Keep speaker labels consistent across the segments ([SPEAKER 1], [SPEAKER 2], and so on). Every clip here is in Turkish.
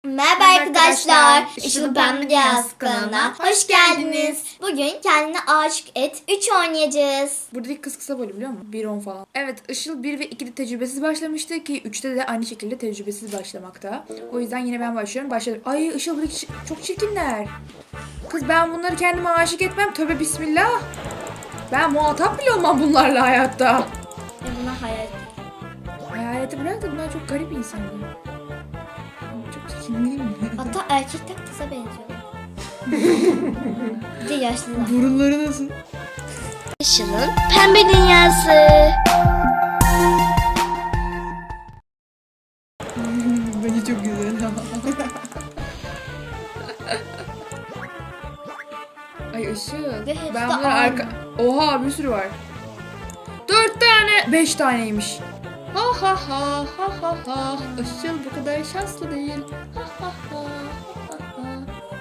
[SPEAKER 1] Merhaba arkadaşlar. Işıl Ben Dünyası kanalına hoş geldiniz. Bugün kendine aşık et 3 oynayacağız.
[SPEAKER 2] Buradaki kız kısa böyle biliyor musun? 1-10 falan. Evet, Işıl 1 ve 2'de tecrübesiz başlamıştı ki 3'te de aynı şekilde tecrübesiz başlamakta. O yüzden yine ben başlıyorum. Başladım. Ay Işıl buradaki çok çirkinler. Kız ben bunları kendime aşık etmem. Tövbe bismillah. Ben muhatap bile olmam bunlarla hayatta.
[SPEAKER 1] Buna hayal.
[SPEAKER 2] Hayaleti bırak da bunlar çok garip insanlar. Çok çirkin değil mi?
[SPEAKER 1] Hatta erkekten kıza benziyor. Bir de yaşlılar.
[SPEAKER 2] Burunları nasıl?
[SPEAKER 1] Işıl'ın pembe dünyası.
[SPEAKER 2] Bence çok güzel. Ay Işıl.
[SPEAKER 1] Ve hepsi
[SPEAKER 2] Ben
[SPEAKER 1] de
[SPEAKER 2] bunları
[SPEAKER 1] aynı.
[SPEAKER 2] Oha bir sürü var. 4 tane. 5 taneymiş. Ha ha ha ha ha ha. Işıl bu kadar şanslı değil. Ha ha ha ha ha.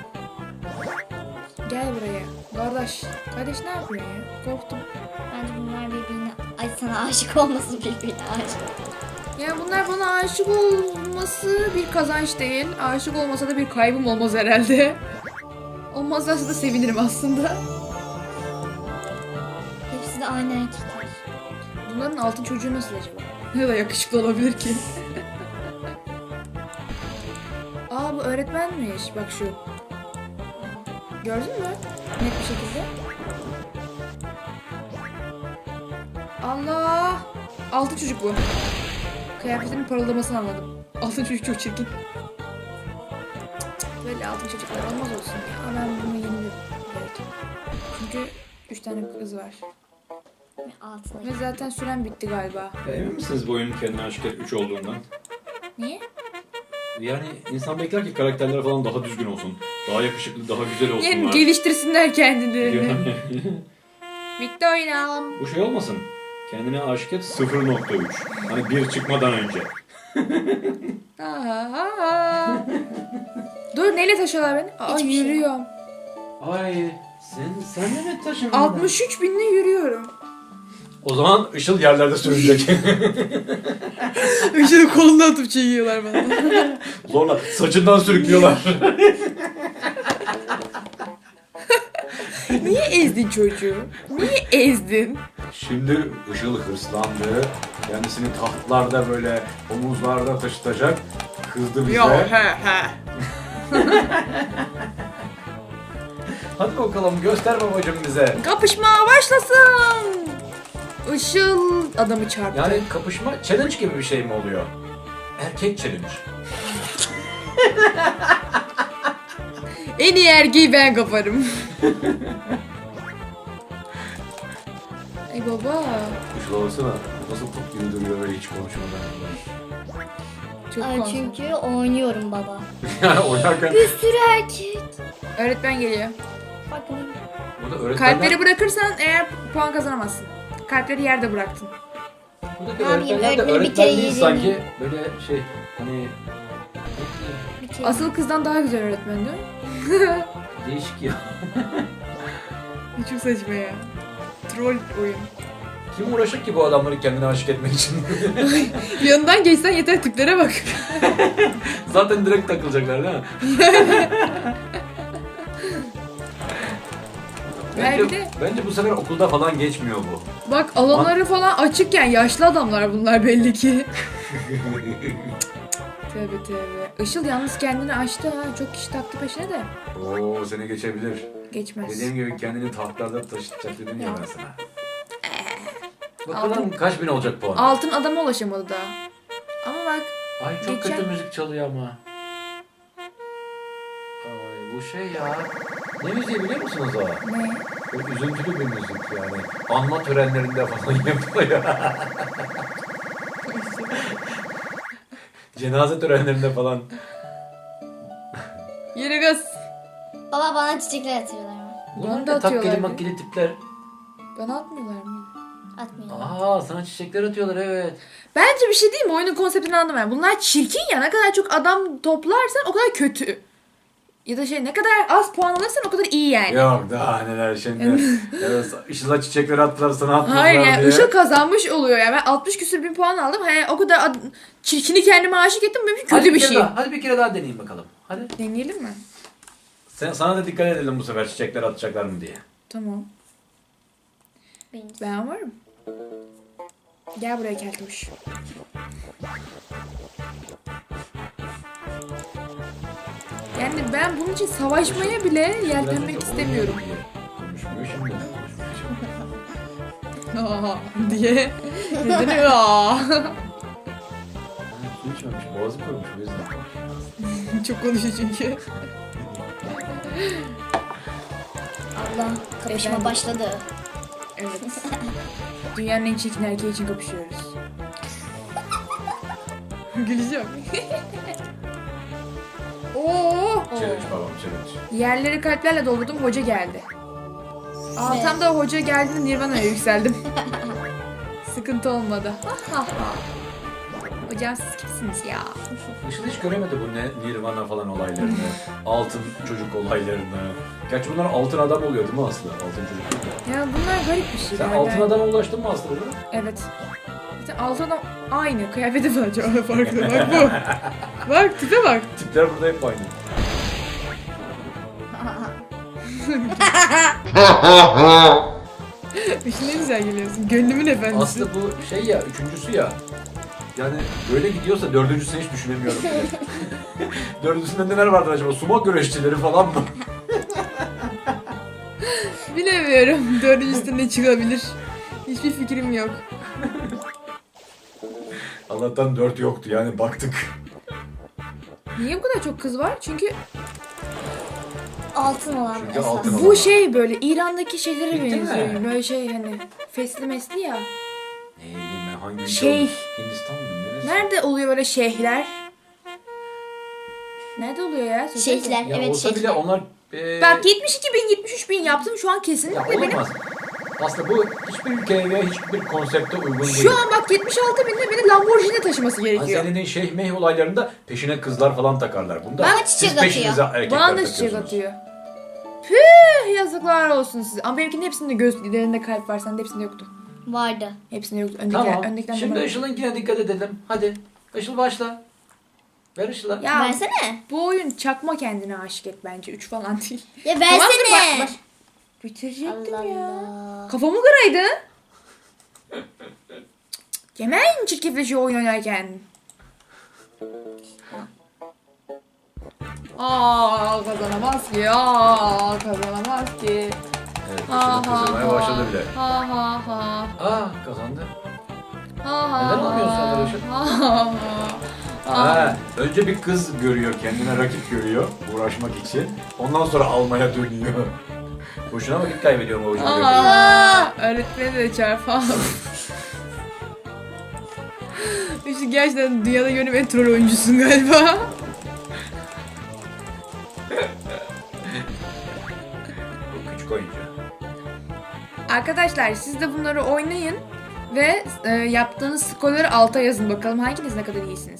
[SPEAKER 2] Gel buraya. Kardeş. Kardeş ne yapıyorsun ya? Korktum.
[SPEAKER 1] Bence bunlar birbirine, ay sana aşık olmasın birbirine aşık.
[SPEAKER 2] Ya bunlar bana aşık olması bir kazanç değil. Aşık olmasa da bir kaybım olmaz herhalde. Olmazlarsa da sevinirim aslında.
[SPEAKER 1] Hepsi de aynı erkekler.
[SPEAKER 2] Bunların altın çocuğu nasıl acaba? Ne da yakışıklı olabilir ki? Aa bu öğretmenmiş. Bak şu. Gördün mü? Net bir şekilde. Allah! Altın çocuk bu. Kıyafetinin parıldamasını anladım. Altın çocuk çok çirkin. Böyle altın çocuklar olmaz olsun ya. Ben bunu yenilirim. Evet. Çünkü 3 tane kız var.
[SPEAKER 1] Ve altına.
[SPEAKER 2] Ve zaten süren bitti galiba.
[SPEAKER 3] Emin misiniz bu oyunun kendine aşık et 3 olduğundan?
[SPEAKER 2] Niye?
[SPEAKER 3] Yani insan bekler ki karakterler falan daha düzgün olsun. Daha yakışıklı, daha güzel
[SPEAKER 2] Yani
[SPEAKER 3] olsunlar.
[SPEAKER 2] geliştirsinler kendilerini.
[SPEAKER 3] Yani
[SPEAKER 2] Bitti oynayalım.
[SPEAKER 3] bu şey olmasın. Kendine aşık et 0.3. Hani 1 çıkmadan önce.
[SPEAKER 2] Dur neyle taşıyorlar beni? Aa
[SPEAKER 1] Hiçbir şey.
[SPEAKER 2] yürüyorum.
[SPEAKER 3] Ay sen de mi taşındın?
[SPEAKER 2] 63 binle yürüyorum.
[SPEAKER 3] O zaman Işıl yerlerde sürünecek.
[SPEAKER 2] Işığı kolundan atıp çekiyorlar bana.
[SPEAKER 3] Zorla saçından sürüklüyorlar.
[SPEAKER 2] Niye ezdin çocuğu? Niye ezdin?
[SPEAKER 3] Şimdi Işıl hırslandı. Kendisini tahtlarda böyle omuzlarda taşıtacak. Kızdı bize.
[SPEAKER 2] he.
[SPEAKER 3] Hadi bakalım göster babacım bize.
[SPEAKER 2] Kapışma başlasın. Işıl adamı çarptı.
[SPEAKER 3] Yani kapışma challenge gibi bir şey mi oluyor? Erkek challenge.
[SPEAKER 2] En iyi erkeği ben kaparım. Ay baba.
[SPEAKER 3] Işıl olsana. Nasıl top gibi duruyor böyle hiç konuşmadan.
[SPEAKER 2] Çok
[SPEAKER 1] Ay
[SPEAKER 2] konsantre.
[SPEAKER 1] çünkü oynuyorum baba.
[SPEAKER 3] Yani oynarken
[SPEAKER 1] Bir sürü erkek.
[SPEAKER 2] Öğretmen geliyor.
[SPEAKER 1] Bakın.
[SPEAKER 3] burada öğretmenler,
[SPEAKER 2] Kalpleri bırakırsan eğer puan kazanamazsın. Kalpleri yerde bıraktın.
[SPEAKER 3] buradaki
[SPEAKER 1] Ne yapayım,
[SPEAKER 3] öğretmenler de
[SPEAKER 1] öğretmeni bir
[SPEAKER 3] öğretmen
[SPEAKER 1] kere
[SPEAKER 3] değil
[SPEAKER 1] yedim.
[SPEAKER 3] sanki. Böyle şey hani
[SPEAKER 1] Bir kere.
[SPEAKER 2] Asıl kızdan daha güzel öğretmen değil mi?
[SPEAKER 3] değişik ya.
[SPEAKER 2] Çok saçma ya. Troll oyun.
[SPEAKER 3] Kim uğraşır ki bu adamları kendine aşık etmek için?
[SPEAKER 2] Yanından geçsen yeter tiplere bak.
[SPEAKER 3] Zaten direkt takılacaklar değil mi? Bence bu sefer okulda falan geçmiyor bu.
[SPEAKER 2] Bak alanları falan açıkken yaşlı adamlar bunlar belli ki. Tövbe tövbe. Işıl yalnız kendini açtı ha. Çok kişi taktı peşine de.
[SPEAKER 3] Oo seni geçebilir.
[SPEAKER 2] Geçmez.
[SPEAKER 3] Dediğim gibi kendini tahtlarda taşıtacak dedim ya ben sana.
[SPEAKER 2] Altın-
[SPEAKER 3] Bakalım kaç bin olacak puan?
[SPEAKER 2] Altın adama ulaşamadı daha. Ama bak.
[SPEAKER 3] Ay çok
[SPEAKER 2] Geçen-
[SPEAKER 3] kötü müzik çalıyor ama. Ay bu şey ya. Ne müziği biliyor musunuz o?
[SPEAKER 2] Ne?
[SPEAKER 3] Böyle üzüntülü bir müzik yani. Anma törenlerinde falan yapılıyor. Cenaze törenlerinde falan.
[SPEAKER 2] Yere gaz.
[SPEAKER 1] Baba bana çiçekler atıyorlar mı?
[SPEAKER 3] Bunlar
[SPEAKER 2] da
[SPEAKER 3] da takkeli
[SPEAKER 2] atıyorlardı.
[SPEAKER 3] makkeli tipler.
[SPEAKER 2] Bana atmıyorlar mı?
[SPEAKER 1] Atmıyorlar.
[SPEAKER 3] Aa sana çiçekler atıyorlar evet.
[SPEAKER 2] Bence bir şey değil mi? Oyunun konseptini anladım ben. Bunlar çirkin ya. Ne kadar çok adam toplarsan o kadar kötü. Ya da şey ne kadar az puan alırsan o kadar iyi yani.
[SPEAKER 3] Yok daha neler şimdi. Evet, Işıl'a çiçekleri attılar sana attılar
[SPEAKER 2] Hayır yani
[SPEAKER 3] diye.
[SPEAKER 2] Işıl kazanmış oluyor yani. Ben 60 küsür bin puan aldım. Hani o kadar çirkini kendime aşık ettim. Benim için kötü bir şey.
[SPEAKER 3] Hadi bir kere daha deneyeyim bakalım. Hadi.
[SPEAKER 2] Deneyelim mi?
[SPEAKER 3] Sana da dikkat edelim bu sefer çiçekler atacaklar mı diye.
[SPEAKER 2] Tamam.
[SPEAKER 1] Benim.
[SPEAKER 2] Ben varım. Gel buraya Keltoş. Yani ben bunun için savaşmaya bile yeltenmek istemiyorum.
[SPEAKER 3] Konuşmuyor şimdi.
[SPEAKER 2] Aa diye. Neden aa?
[SPEAKER 3] Su içmemiş, boğazı koymuş o yüzden.
[SPEAKER 2] Çok konuşuyor çünkü.
[SPEAKER 1] Allah kapışma
[SPEAKER 2] Efendim?
[SPEAKER 1] başladı.
[SPEAKER 2] Evet. Dünyanın en çirkin erkeği için kapışıyoruz. Güleceğim. Oo.
[SPEAKER 3] Challenge babam challenge.
[SPEAKER 2] Yerleri kalplerle doldurdum, hoca geldi. Aa,
[SPEAKER 1] Ne?
[SPEAKER 2] tam da hoca geldiğinde Nirvana'ya yükseldim. Sıkıntı olmadı. Hocam siz kimsiniz ya?
[SPEAKER 3] Işıl hiç göremedi bu ne Nirvana falan olaylarını, altın çocuk olaylarını. Gerçi bunlar altın adam oluyor değil mi Aslı? Altın çocuk değil mi?
[SPEAKER 2] Ya bunlar garip bir şey.
[SPEAKER 3] Sen altın adama ulaştın mı Aslı burada?
[SPEAKER 2] Evet. Zaten altın adam aynı. Kıyafeti falan çok farklı. Bak bu. Bak tipe bak.
[SPEAKER 3] Tipler burada hep aynı.
[SPEAKER 2] İşte ne güzel geliyorsun. Gönlümün efendisi.
[SPEAKER 3] Aslı bu şey ya, üçüncüsü ya. Yani böyle gidiyorsa dördüncüsünü hiç düşünemiyorum. Dördüncüsünde neler vardır acaba? Sumo güreşçileri falan mı?
[SPEAKER 2] Bilemiyorum. Dördüncüsü ne çıkabilir? Hiçbir fikrim yok.
[SPEAKER 3] Allah'tan 4 yoktu yani baktık.
[SPEAKER 2] Niye bu kadar çok kız var? Çünkü
[SPEAKER 1] Altın olan
[SPEAKER 3] Çünkü
[SPEAKER 1] esas.
[SPEAKER 3] altın olan.
[SPEAKER 2] bu şey böyle İran'daki şeylere
[SPEAKER 3] Bitti mi?
[SPEAKER 2] benziyor. Böyle şey hani fesli mesli ya.
[SPEAKER 3] Ne bileyim ben hangi ülke
[SPEAKER 2] Şey.
[SPEAKER 3] olmuş? Hindistan mı? Neresi?
[SPEAKER 2] Nerede oluyor böyle şeyhler? Nerede oluyor ya? Söylesene.
[SPEAKER 1] Şeyhler,
[SPEAKER 3] Ya
[SPEAKER 1] evet
[SPEAKER 3] olsa bile
[SPEAKER 1] şeyhler.
[SPEAKER 3] onlar...
[SPEAKER 2] Bak 72 bin 73 bin yaptım şu an
[SPEAKER 3] Ya
[SPEAKER 2] kesinlikle benim.
[SPEAKER 3] olamaz. Aslında bu hiçbir ülkeye ve hiçbir konsepte uygun değil.
[SPEAKER 2] Şu an bak 76 binde beni Lamborghini taşıması gerekiyor.
[SPEAKER 3] Senin şeyh meyh olaylarında peşine kızlar falan takarlar. Bunda
[SPEAKER 1] Bana
[SPEAKER 3] siz
[SPEAKER 1] çiçek
[SPEAKER 3] peşinize
[SPEAKER 1] atıyor.
[SPEAKER 3] erkekler
[SPEAKER 2] Bana da çiçek
[SPEAKER 3] takıyorsunuz.
[SPEAKER 2] atıyor. Püh yazıklar olsun size. Ama benimkinin hepsinde gözlerinde kalp var. Sende hepsinde yoktu.
[SPEAKER 1] Vardı.
[SPEAKER 2] Hepsinde yoktu. Öndekiler,
[SPEAKER 3] Tamam.
[SPEAKER 2] öndekiler
[SPEAKER 3] Şimdi
[SPEAKER 2] numara-
[SPEAKER 3] Işıl'ınkine dikkat edelim. Hadi. Işıl başla. Ver Işıl'a.
[SPEAKER 2] Ya
[SPEAKER 1] Versene.
[SPEAKER 2] bu oyun çakma kendine aşık et bence. 3 falan değil.
[SPEAKER 1] Ya
[SPEAKER 2] Tamam, dur,
[SPEAKER 1] versene.
[SPEAKER 2] bak. Bitirecektim
[SPEAKER 1] Allah
[SPEAKER 2] ya.
[SPEAKER 1] Allah.
[SPEAKER 2] Kafamı kıraydın. Yemen çirkefleşiyor oyun oynarken. Kazanamaz ki. Kazanamaz ki.
[SPEAKER 3] Evet, Işıl'ın kızılmaya başladı bile.
[SPEAKER 2] Ha ha ha.
[SPEAKER 3] Kazandı.
[SPEAKER 2] Ha ha.
[SPEAKER 3] Neden almıyorsun onları Işıl? Önce bir kız görüyor, kendine rakip görüyor uğraşmak için. Ondan sonra almaya dönüyor. Boşuna vakit kaybediyorum o oyunu.
[SPEAKER 2] Öğretmeni de çarpalım. İşte gerçekten dünyada gördüğüm en troll oyuncusun galiba.
[SPEAKER 3] Bu küçük oyuncu.
[SPEAKER 2] Arkadaşlar siz de bunları oynayın ve yaptığınız skorları alta yazın bakalım hanginiz ne kadar iyisiniz.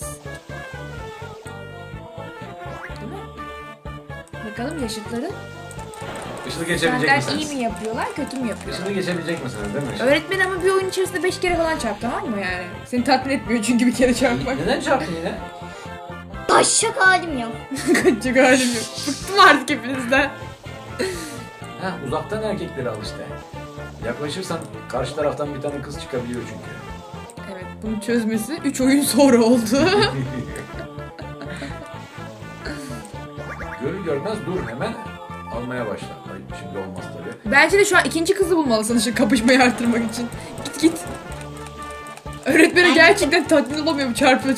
[SPEAKER 2] Değil mi? Bakalım yaşıtları.
[SPEAKER 3] Işıl'ı geçebilecek
[SPEAKER 2] Senden
[SPEAKER 3] misiniz?
[SPEAKER 2] iyi mi yapıyorlar, kötü mü yapıyorlar?
[SPEAKER 3] Işıl'ı geçebilecek misiniz değil mi Işıl?
[SPEAKER 2] Öğretmen ama bir oyun içerisinde 5 kere falan çarp, tamam mı yani? Seni tatmin etmiyor çünkü bir kere çarpmak.
[SPEAKER 3] Neden çarptın yine?
[SPEAKER 1] Taşacak halim yok.
[SPEAKER 2] Kaçacak halim yok. Bıktım artık hepinizden.
[SPEAKER 3] Uzaktan erkekleri al işte. Yaklaşırsan karşı taraftan bir tane kız çıkabiliyor çünkü.
[SPEAKER 2] Evet, bunu çözmesi 3 oyun sonra oldu.
[SPEAKER 3] Görür görmez dur hemen almaya başla. Ay, şimdi olmaz tabii.
[SPEAKER 2] Bence de şu an ikinci kızı bulmalısın şu kapışmayı artırmak için. Git. Öğretmeni gerçekten tatmin olamıyor bu çarpı.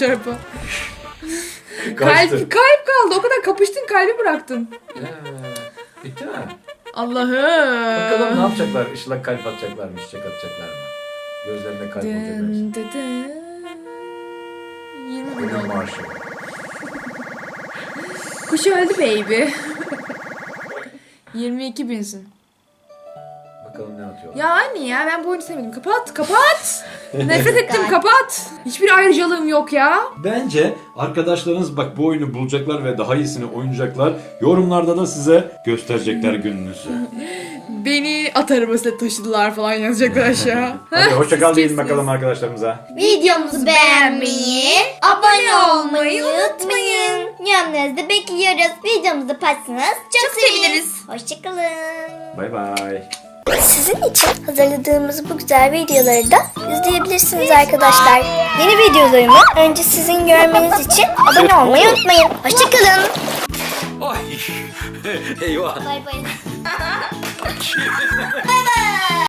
[SPEAKER 3] Kaçtı.
[SPEAKER 2] Kalp kaldı. O kadar kapıştın, kalbi bıraktın.
[SPEAKER 3] Bitti mi?
[SPEAKER 2] Allah'ım.
[SPEAKER 3] Bakalım ne yapacaklar? Işıl'a kalp atacaklar mı? Çiçek atacaklar mı? Gözlerine kalp olacak hepsi.
[SPEAKER 2] Dın dı dın. 20 bin
[SPEAKER 3] Ölüm
[SPEAKER 2] oldu.
[SPEAKER 3] marşı.
[SPEAKER 2] Kuş öldü baby. 22 binsin.
[SPEAKER 3] Bakalım ne atıyorlar.
[SPEAKER 2] Ya anne ya ben bu oyunu sevmedim. Kapat. Nefret ettim,
[SPEAKER 1] Gayet.
[SPEAKER 2] kapat. Hiçbir ayrıcalığım yok ya.
[SPEAKER 3] Bence arkadaşlarınız bak bu oyunu bulacaklar ve daha iyisini oynayacaklar. Yorumlarda da size gösterecekler gününüzü.
[SPEAKER 2] Beni at arabasıyla taşıdılar falan yazacaklar aşağı.
[SPEAKER 3] Hadi hoşça kal
[SPEAKER 2] Siz
[SPEAKER 3] diyelim
[SPEAKER 2] kimsiniz?
[SPEAKER 3] bakalım arkadaşlarımıza.
[SPEAKER 1] Videomuzu beğenmeyi, abone olmayı unutmayın. Yorumlarınızı da bekliyoruz. Videomuzu paylaşırsanız çok seviniriz. Hoşçakalın.
[SPEAKER 3] Bay bay.
[SPEAKER 1] Sizin için hazırladığımız bu güzel videoları da izleyebilirsiniz arkadaşlar. Yeni videolarımı önce sizin görmeniz için abone olmayı unutmayın. Hoşçakalın.
[SPEAKER 3] Ay. Eyvah.
[SPEAKER 1] Bay bay.